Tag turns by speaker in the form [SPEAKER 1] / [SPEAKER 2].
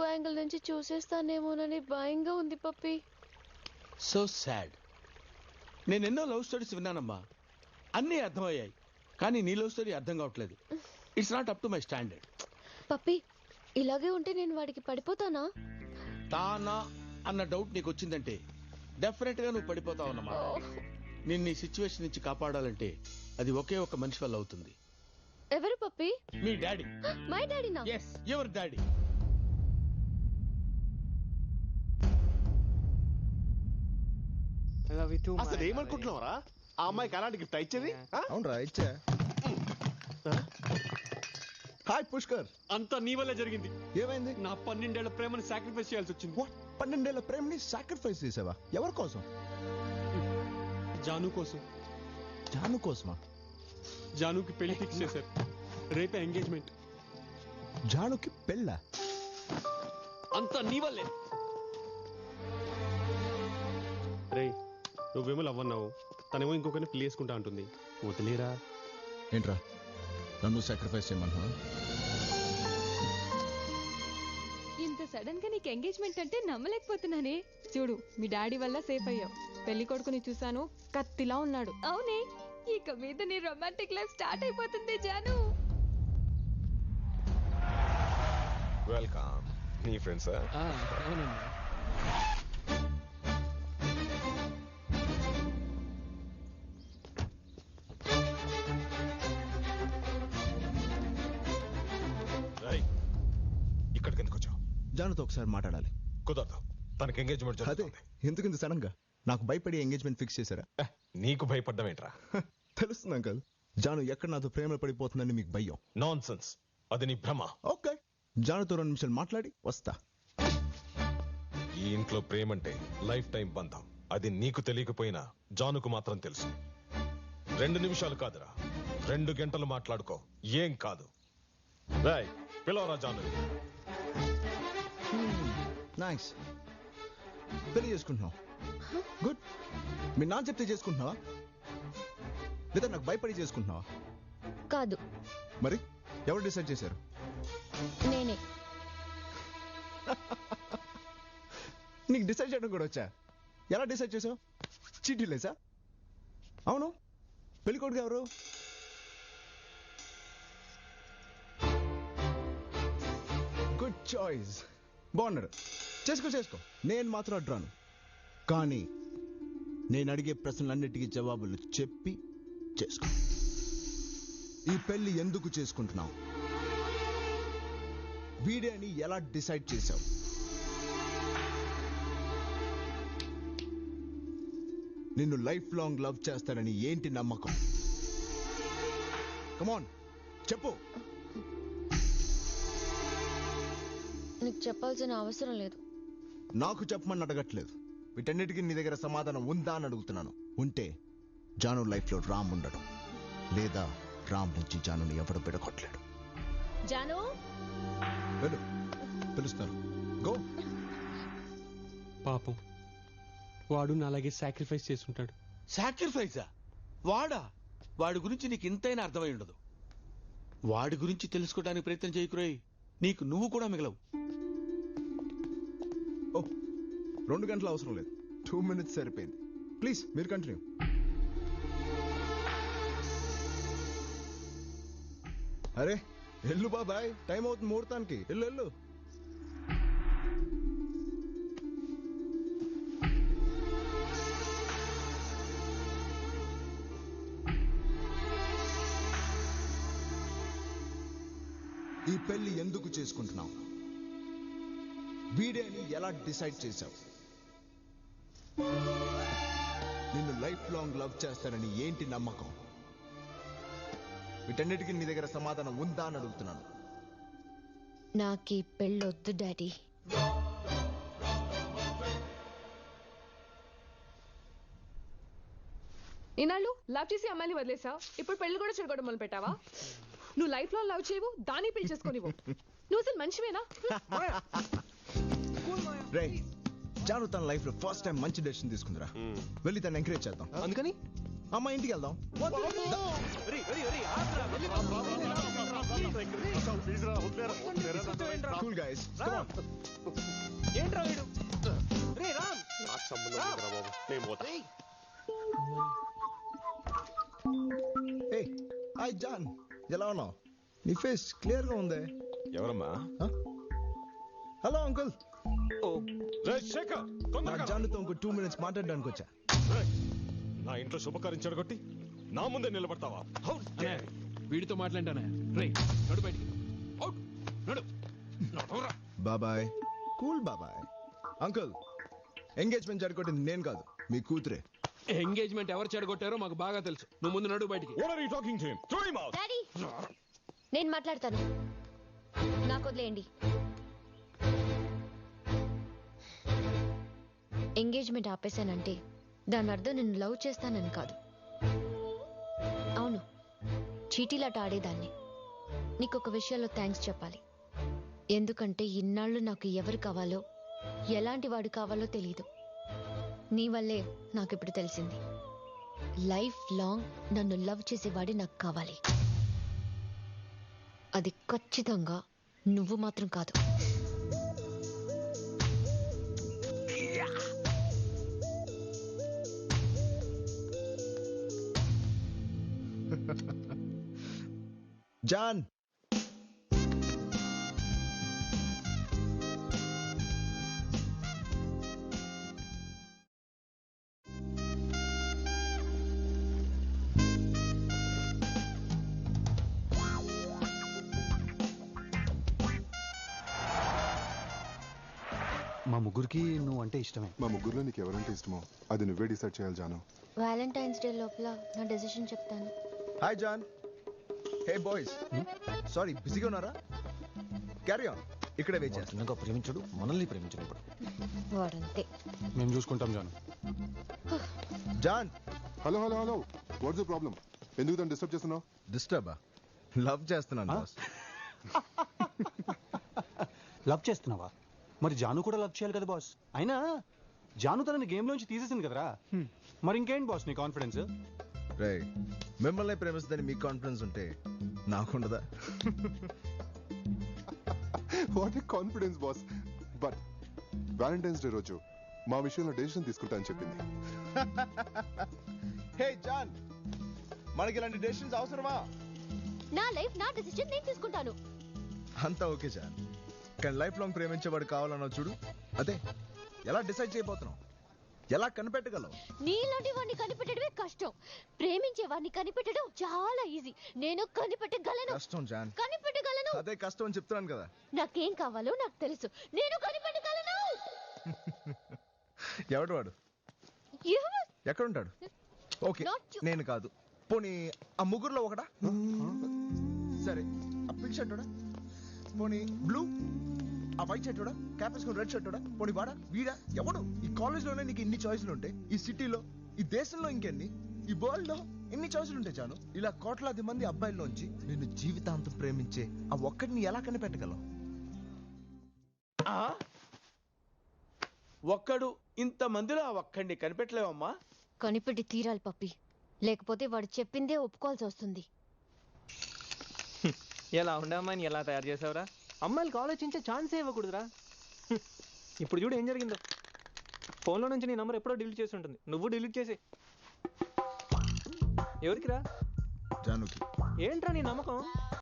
[SPEAKER 1] ఇంకో యాంగిల్ నుంచి చూసేస్తానేమోనని భయంగా ఉంది పప్పి.
[SPEAKER 2] So sad. నేను ఎన్నో లవ్ స్టోరీస్ విన్నానమ్మా, అన్నీ అర్థమయ్యాయి, కానీ నీ లవ్ స్టోరీ అర్థం కావట్లేదు. It's not up to my standard.
[SPEAKER 1] Pappi ఇలాగే ఉంటే నేను వాడికి పడిపోతానా?
[SPEAKER 2] తానా అన్న డౌట్ నీకు వచ్చిందంటే డెఫినెట్ గా నువ్వు పడిపోతావు అన్నమాట. నిన్ను ఈ సిచ్యువేషన్ నుంచి కాపాడాలంటే అది ఒకే ఒక మనిషి వల్ల అవుతుంది.
[SPEAKER 1] ఎవరు పప్పి?
[SPEAKER 2] మీ డాడీ.
[SPEAKER 1] మై డాడీనా?
[SPEAKER 2] Yes, your daddy.
[SPEAKER 3] అసలు ఏమనుకుంటున్నావరా? ఆ అమ్మాయికి అలాంటి గిఫ్ట్ ఇచ్చేది?
[SPEAKER 4] అవునరా, ఇచ్చా. హాయ్ పుష్కర్.
[SPEAKER 5] అంతా నీ వల్లే జరిగింది.
[SPEAKER 4] ఏమైంది?
[SPEAKER 5] నా 12 ఏళ్ల ప్రేమని సాక్రిఫైస్ చేయాల్సి వచ్చింది.
[SPEAKER 4] 12 ఏళ్ల ప్రేమని సాక్రిఫైస్ చేసావా? ఎవరి కోసం?
[SPEAKER 5] జాను కోసం.
[SPEAKER 4] జాను కోసమా?
[SPEAKER 5] జానుకి పెళ్లి ఫిక్స్ చేశారు. రేపే ఎంగేజ్మెంట్.
[SPEAKER 4] జానుకి పెళ్ళా?
[SPEAKER 5] అంతా నీ వల్లే. రే, నువ్వేమో లవ్ అన్నావు, తనేమో ఇంకొకరిని పెళ్లి చేసుకుంటా అంటుంది. వదిలేరా.
[SPEAKER 4] ఏంట్రా నన్ను సాక్రిఫైస్ చేయమన్నా?
[SPEAKER 6] ఇంత సడన్ గా నీకు ఎంగేజ్మెంట్ అంటే నమ్మలేకపోతున్నానే. చూడు, మీ డాడీ వల్ల సేఫ్ అయ్యావు. పెళ్లి కొడుకుని చూసాను, కత్తిలా ఉన్నాడు. అవునే, ఇక మీద నీ రొమాంటిక్ లైఫ్ స్టార్ట్ అయిపోతుంది జాను.
[SPEAKER 3] వెల్కమ్. నీ ఫ్రెండ్సా? ఇక్కడికి ఎందుకు వచ్చావు?
[SPEAKER 4] జానుతో ఒకసారి మాట్లాడాలి.
[SPEAKER 3] కుదరదు, తనకి ఎంగేజ్మెంట్
[SPEAKER 4] అదే
[SPEAKER 3] జరుగుతుంది.
[SPEAKER 4] ఎందుకు ఇంత సడన్ గా? నాకు భయపడి ఎంగేజ్మెంట్ ఫిక్స్ చేశారా?
[SPEAKER 3] నీకు భయపడ్డం ఏంట్రా?
[SPEAKER 4] తెలుస్తుంది అంకల్, జాను ఎక్కడ నాతో ప్రేమలో పడిపోతుందని మీకు భయం.
[SPEAKER 3] నాన్ సెన్స్, అది నీ భ్రమ.
[SPEAKER 4] ఓకే, జానుతో 2 నిమిషాలు మాట్లాడి వస్తా.
[SPEAKER 3] ఈ ఇంట్లో ప్రేమంటే లైఫ్ టైం బంధం. అది నీకు తెలియకపోయినా జానుకు మాత్రం తెలుసు. 2 నిమిషాలు కాదురా, 2 గంటలు మాట్లాడుకో, ఏం కాదు. రాయ్, పిలవరా జాను.
[SPEAKER 4] నైస్. పెళ్లి చేసుకుంటున్నావు? గుడ్. మీ నాన్న చెప్తే చేసుకుంటున్నావా, లేదా నాకు భయపడి చేసుకుంటున్నావా?
[SPEAKER 1] కాదు.
[SPEAKER 4] మరి ఎవరు డిసైడ్ చేశారు?
[SPEAKER 1] నేనే.
[SPEAKER 4] నీకు డిసైడ్ చేయడం కూడా వచ్చా? ఎలా డిసైడ్ చేసావు? చీటీ లేసా? అవును, పెళ్లి కొడుకు ఎవరు? గుడ్ చాయిస్, బాగున్నాడు. చేసుకో. నేను మాత్రం అడ్రాను. కానీ నేను అడిగే ప్రశ్నలన్నిటికీ జవాబులు చెప్పి చేసుకో. ఈ పెళ్లి ఎందుకు చేసుకుంటున్నావు? వీడియోని ఎలా డిసైడ్ చేశావు? నిన్ను లైఫ్ లాంగ్ లవ్ చేస్తానని ఏంటి నమ్మకం? కమాన్ చెప్పు.
[SPEAKER 1] నీకు చెప్పాల్సిన అవసరం లేదు.
[SPEAKER 4] నాకు చెప్పమని అడగట్లేదు. వీటన్నిటికీ నీ దగ్గర సమాధానం ఉందా అని అడుగుతున్నాను. ఉంటే జాను లైఫ్ లో రామ్ ఉండడు, లేదా రామ్ నుంచి జానుని ఎవడు బిడగొట్టలేడు.
[SPEAKER 1] జాను,
[SPEAKER 4] వెళ్ళు, పిలుస్తాను. గో.
[SPEAKER 5] పాపం, వాడు నాలాగే సాక్రిఫైస్ చేసుకుంటాడు.
[SPEAKER 2] సాక్రిఫైజా? వాడా? వాడి గురించి నీకు ఇంతైనా అర్థమై ఉండదు. వాడి గురించి తెలుసుకోవడానికి ప్రయత్నం చేయకురోయ్, నీకు నువ్వు కూడా మిగలవు.
[SPEAKER 4] 2 గంటలు అవసరం లేదు, 2 minutes సరిపోయింది. ప్లీజ్ మీరు కంటిన్యూ. అరే ఎల్లు బాబాయ్, టైం అవుతుంది ముహూర్తానికి. ఎల్లు. ఈ పెళ్లి ఎందుకు చేసుకుంటున్నావు? వీడియోని ఎలా డిసైడ్ చేశావు? నిన్ను లైఫ్ లాంగ్ లవ్ చేస్తానని ఏంటి నమ్మకం? వీటన్నిటికీ నీ దగ్గర సమాధానం ఉందా అని అడుగుతున్నాను.
[SPEAKER 1] నాకు ఈ పెళ్ళొద్దు డాడీ.
[SPEAKER 6] ఇన్నాళ్ళు లవ్ చేసి అమ్మాయిని వదిలేసావు, ఇప్పుడు పెళ్లి కూడా చెడగొట్టడం మొదలు పెట్టావా? నువ్వు లైఫ్ లో లవ్ చేయవు, దాన్ని పెళ్లి చేసుకోనివ్వు. నువ్వు అసలు మనిషివేనా?
[SPEAKER 4] రే, జాను తన లైఫ్ లో ఫస్ట్ టైం మంచి డెసిషన్ తీసుకుందిరా. వెళ్ళి తను ఎంకరేజ్ చేద్దాం.
[SPEAKER 3] అందుకని
[SPEAKER 4] అమ్మ ఇంటికి వెళ్దాం. కూల్ గైస్
[SPEAKER 7] ఏంట్రా వీడు రే రామ్
[SPEAKER 5] నాకు సంబంధం లేదురా బాబు నేను పోతా
[SPEAKER 4] ఏ హాయ్ జాన్ ఎలా ఉన్నావు నీ ఫేస్ క్లియర్ గా ఉందే
[SPEAKER 3] ఎవరమ్మా
[SPEAKER 4] హలో అంకుల్
[SPEAKER 3] రేయ్, శేఖర్,
[SPEAKER 4] నా
[SPEAKER 3] తొందరగా రా.
[SPEAKER 4] జాన్తో ఇంకో 2 minutes మాట్లాడడానికి వచ్చా
[SPEAKER 3] రేయ్, నా ఇంట్లో శుభకార్యం చెడగొట్టి నా ముందే నిలబడతావా How dare you?
[SPEAKER 7] వీడితో మాట్లాడానే రే నడు బయటికి అవుట్ నడు నడురా
[SPEAKER 4] బాబాయ్ కూల్ బాబాయ్ అంకుల్ ఎంగేజ్మెంట్ జరగొట్టింది నేను కాదు మీ కూతురే
[SPEAKER 7] ఎంగేజ్మెంట్ ఎవరు చెడగొట్టారో మాకు బాగా తెలుసు నువ్వు ముందు నడు బయటికి
[SPEAKER 3] What are you talking to him? Throw him out.
[SPEAKER 1] Daddy నేను మాట్లాడతాను నాకు వదిలేయండి ఎంగేజ్మెంట్ ఆపేశానంటే దాని అర్థం నేను లవ్ చేస్తానని కాదు అవును చీటీలాట ఆడేదాన్ని నీకు ఒక విషయంలో థ్యాంక్స్ చెప్పాలి ఎందుకంటే ఇన్నాళ్ళు నాకు ఎవరు కావాలో ఎలాంటి వాడు కావాలో తెలియదు నీ వల్లే నాకు ఇప్పుడు తెలిసింది లైఫ్ లాంగ్ నన్ను లవ్ చేసేవాడే నాకు కావాలి అది ఖచ్చితంగా నువ్వు మాత్రం కాదు
[SPEAKER 4] జాన్
[SPEAKER 8] మా ముగ్గురికి నువ్వు అంటే ఇష్టమే.
[SPEAKER 9] మా ముగ్గురులో నీకు ఎవరంటే ఇష్టమో అది నువ్వే డిసైడ్ చేయాలి జాను.
[SPEAKER 1] వ్యాలంటైన్స్ డే లోపల నా డెసిషన్ చెప్తాను
[SPEAKER 4] hi John hey boys sorry బిజీగా ఉన్నారా క్యారీ ఆన్ ఇక్కడే వెయిట్ చేస్తాను
[SPEAKER 8] చిన్నగా ప్రేమించడు మనల్ని ప్రేమించినప్పుడు
[SPEAKER 1] వాడంతే
[SPEAKER 8] మేము చూసుకుంటాం Jaanu.
[SPEAKER 4] John
[SPEAKER 9] hello hello hello what's the problem? ఎందుకు తను డిస్టర్బ్ చేస్తున్నావు?
[SPEAKER 4] డిస్టర్బా లవ్ చేస్తున్నాను బాస్
[SPEAKER 8] లవ్ చేస్తున్నావా? మరి జాను కూడా లవ్ చేయాలి కదా బాస్. అయినా జాను తనని గేమ్ లోంచి తీసేసింది కదరా. మరి ఇంకేంటి బాస్ నీ కాన్ఫిడెన్స్?
[SPEAKER 4] రే మిమ్మల్ని ప్రేమిస్తుందని మీకు కాన్ఫిడెన్స్ ఉంటే నాకుండదా?
[SPEAKER 9] What a confidence boss. But Valentine's day రోజు మా విషయంలో డెసిషన్ తీసుకుంటా అని చెప్పింది.
[SPEAKER 4] హే జాన్ మనకి ఇలాంటి డెసిషన్స్ అవసరమా?
[SPEAKER 1] నా లైఫ్ నా డెసిషన్ నేను తీసుకుంటాను
[SPEAKER 4] అంతా ఓకే జాన్ కానీ లైఫ్ లాంగ్ ప్రేమించేవాడు కావాలన్నావు చూడు అదే ఎలా డిసైడ్ చేయబోతున్నావు? ఎలా కనిపెట్టగలవు?
[SPEAKER 1] నీలాంటి వాడిని కనిపెట్టడమే కష్టం ప్రేమించే వాడిని కనిపెట్టడం చాలా ఈజీ నేను కనిపెట్టగలను
[SPEAKER 4] కష్టం జాన్
[SPEAKER 1] కనిపెట్టగలను
[SPEAKER 4] అదే కష్టం అని చెప్తున్నాను కదా.
[SPEAKER 1] నాకేం కావాలో నాకు తెలుసు నేను కనిపెట్టగలను
[SPEAKER 4] ఎవడు వాడు?
[SPEAKER 1] ఎవరు?
[SPEAKER 4] ఎక్కడుంటాడు? Okay
[SPEAKER 1] Not you.
[SPEAKER 4] నేను కాదు పోనీ ఆ ముగ్గురులో ఒకడా? సరే ఆ పింక్ షర్ట్ పోనీ బ్లూ ఆ వైట్ షర్ట్ క్యాప్ వేసుకుని రెడ్ షర్ట్ పోనీ వాడా వీడా ఎవడు? ఈ కాలేజ్ లోనే నీకు ఇన్ని చాయిస్లు ఉంటాయి ఈ సిటీలో ఈ దేశంలో ఇంకెన్ని ఈ వరల్డ్ లో ఎన్ని చాయిస్లు ఉంటాయి చాను ఇలా కోట్లాది మంది అబ్బాయిల్లోంచి నిన్ను జీవితాంతం ప్రేమించే ఆ ఒక్కడిని ఎలా కనిపెట్టగలవు?
[SPEAKER 2] ఒక్కడు ఇంత మందిలో ఆ ఒక్కడిని కనిపెట్టలేవమ్మా.
[SPEAKER 1] కనిపెట్టి తీరాలి పప్పి లేకపోతే వాడు చెప్పిందే ఒప్పుకోవాల్సి వస్తుంది
[SPEAKER 7] ఎలా ఉండే అమ్మాయిని ఎలా తయారు చేసావురా? అమ్మాయిలకు ఆలోచించే ఛాన్సే ఇవ్వకూడదురా. ఇప్పుడు చూడు ఏం జరిగిందో. ఫోన్లో నుంచి నీ నంబర్ ఎప్పుడో డిలీట్ చేసి ఉంటుంది నువ్వు డిలీట్ చేసి. ఎవరికిరా?
[SPEAKER 4] జానుకి.
[SPEAKER 7] ఏంట్రా నీ నమ్మకం?